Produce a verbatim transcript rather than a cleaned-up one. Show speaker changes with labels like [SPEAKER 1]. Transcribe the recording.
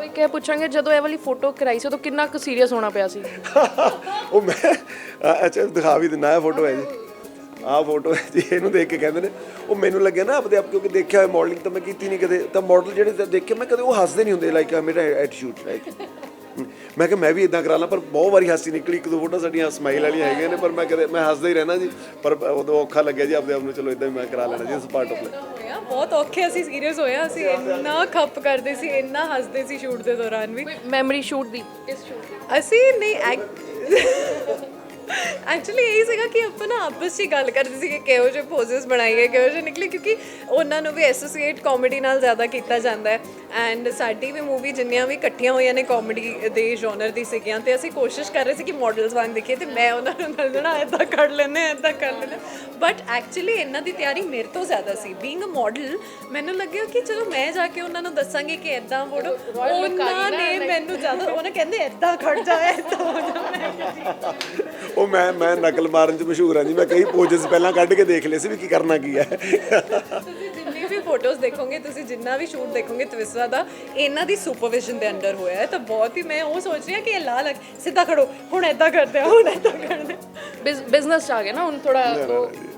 [SPEAKER 1] ਕੋਈ ਕਹਿ ਪੁੱਛਾਂਗੇ ਜਦੋਂ ਇਹ ਵਾਲੀ ਫੋਟੋ ਕਰਾਈ ਸੀ ਉਦੋਂ ਕਿੰਨਾ ਕੁ ਸੀਰੀਅਸ ਹੋਣਾ ਪਿਆ ਸੀ?
[SPEAKER 2] ਉਹ ਮੈਂ ਅ- ਅੱਛਾ ਦਿਖਾ ਵੀ ਦਿੰਦਾ, ਇਹ ਫੋਟੋ ਹੈ ਜੀ, ਆਹ ਫੋਟੋ ਹੈ ਜੀ। ਇਹਨੂੰ ਦੇਖ ਕੇ ਕਹਿੰਦੇ ਨੇ ਉਹ ਮੈਨੂੰ ਲੱਗਿਆ ਨਾ ਆਪਦੇ ਆਪ, ਕਿਉਂਕਿ ਦੇਖਿਆ ਹੋਇਆ ਮਾਡਲਿੰਗ ਤਾਂ ਮੈਂ ਕੀਤੀ ਨਹੀਂ ਕਦੇ, ਤਾਂ ਮਾਡਲ ਜਿਹੜੇ ਤਾਂ ਦੇਖੇ ਮੈਂ ਕਦੇ ਉਹ ਹੱਸਦੇ ਨਹੀਂ ਹੁੰਦੇ ਲਾਈਕ ਮੇਰਾ ਐਟੀਟਿਊਡ ਲਾਈਕ ਮੈਂ ਕਿਹਾ ਮੈਂ ਵੀ ਇਦਾਂ ਕਰਾ ਲਾਂ, ਪਰ ਬਹੁਤ ਵਾਰੀ ਹਾਸੀ ਨਿਕਲੀ। ਇੱਕ ਦੋ ਫੋਟੋ ਸਾਡੀਆਂ ਸਮਾਈਲ ਵਾਲੀਆਂ ਹੈਗੀਆਂ ਨੇ, ਪਰ ਮੈਂ ਕਦੇ ਮੈਂ ਹੱਸਦਾ ਹੀ ਰਹਿਣਾ ਜੀ। ਪਰ ਉਦੋਂ ਔਖਾ ਲੱਗਿਆ ਜੀ ਆਪਦੇ ਆਪ ਨੂੰ, ਚਲੋ ਇਦਾਂ ਹੀ ਮੈਂ ਕਰਾ ਲੈਣਾ ਜੀ, ਇਸ ਪਾਰਟ ਆਫ ਲਾਈਫ।
[SPEAKER 3] ਹੋਇਆ ਬਹੁਤ ਔਖੇ ਅਸੀਂ ਸੀਰੀਅਸ ਹੋਇਆ, ਅਸੀਂ ਇੰਨਾ ਖੱਪ ਕਰਦੇ ਸੀ, ਇੰਨਾ ਹੱਸਦੇ ਸੀ ਸ਼ੂਟ ਦੇ ਦੌਰਾਨ ਵੀ।
[SPEAKER 1] ਮੈਮਰੀ ਸ਼ੂਟ ਦੀ, ਇਸ ਸ਼ੂਟ ਦੀ
[SPEAKER 3] ਅਸੀਂ ਨਹੀਂ ਐਕਚੁਅਲੀ ਇਹੀ ਸੀਗਾ ਕਿ ਆਪਾਂ ਨਾ ਆਪਸ 'ਚ ਹੀ ਗੱਲ ਕਰਦੇ ਸੀ ਕਿ ਕਿਹੋ ਜਿਹੇ ਪੋਜ਼ਸ ਬਣਾਈਏ, ਕਿਹੋ ਜਿਹੇ ਨਿਕਲੇ, ਕਿਉਂਕਿ ਉਹਨਾਂ ਨੂੰ ਵੀ ਐਸੋਸੀਏਟ ਕਾਮੇਡੀ ਨਾਲ ਜ਼ਿਆਦਾ ਕੀਤਾ ਜਾਂਦਾ ਹੈ। ਐਂਡ ਸਾਡੀ ਵੀ ਮੂਵੀ ਜਿੰਨੀਆਂ ਵੀ ਇਕੱਠੀਆਂ ਹੋਈਆਂ ਨੇ ਕਾਮੇਡੀ ਦੇ ਜੋਨਰ ਦੀ ਸੀਗੀਆਂ, ਅਤੇ ਅਸੀਂ ਕੋਸ਼ਿਸ਼ ਕਰ ਰਹੇ ਸੀ ਕਿ ਮਾਡਲਸ ਵਾਂਗ ਦਿਖੀਏ, ਅਤੇ ਮੈਂ ਉਹਨਾਂ ਨੂੰ ਦੱਸਣਾ ਇੱਦਾਂ ਕਰ ਲੈਂਦੇ ਇੱਦਾਂ ਕਰ ਲੈਂਦੇ। ਬਟ ਐਕਚੁਅਲੀ ਇਹਨਾਂ ਦੀ ਤਿਆਰੀ ਮੇਰੇ ਤੋਂ ਜ਼ਿਆਦਾ ਸੀ। ਬੀਇੰਗ ਅ ਮਾਡਲ ਮੈਨੂੰ ਲੱਗਿਆ ਕਿ ਚਲੋ ਮੈਂ ਜਾ ਕੇ ਉਹਨਾਂ ਨੂੰ ਦੱਸਾਂਗੀ ਕਿ ਇੱਦਾਂ ਫੋਟੋ, ਉਹਨਾਂ ਨੇ ਮੈਨੂੰ ਜ਼ਿਆਦਾ ਉਹਨਾਂ ਕਹਿੰਦੇ ਇੱਦਾਂ ਖੜ ਜਾ, ਇੱਦਾਂ ਹੋ ਜਾ।
[SPEAKER 2] ਉਹ ਮੈਂ ਮੈਂ ਨਕਲ ਮਾਰਨ 'ਚ ਮਸ਼ਹੂਰ ਹਾਂ ਜੀ, ਮੈਂ ਕਈ ਪੋਜ਼ਸ ਪਹਿਲਾਂ ਕੱਢ ਕੇ ਦੇਖ ਲਏ ਸੀ ਵੀ ਕੀ ਕਰਨਾ ਕੀ ਹੈ।
[SPEAKER 3] ਤੁਸੀਂ ਜਿੰਨੀ ਵੀ ਫੋਟੋਜ਼ ਦੇਖੋਗੇ, ਤੁਸੀਂ ਜਿੰਨਾ ਵੀ ਸ਼ੂਟ ਦੇਖੋਗੇ ਤਵਿਸਵਾ ਦਾ, ਇਹਨਾਂ ਦੀ ਸੁਪਰਵਿਜ਼ਨ ਦੇ ਅੰਡਰ ਹੋਇਆ ਹੈ। ਤਾਂ ਬਹੁਤ ਹੀ ਮੈਂ ਉਹ ਸੋਚ ਰਹੀ ਹਾਂ ਕਿ ਇਹ ਲਾ ਲੱਗ ਸਿੱਧਾ ਖੜੋ, ਹੁਣ ਇੱਦਾਂ ਕਰਦੇ ਆ, ਹੁਣ ਇੱਦਾਂ ਕਰਦੇ ਆ।
[SPEAKER 1] ਬਿਜ਼ਨਸ 'ਚ ਆ ਗਿਆ ਨਾ ਹੁਣ ਥੋੜਾ।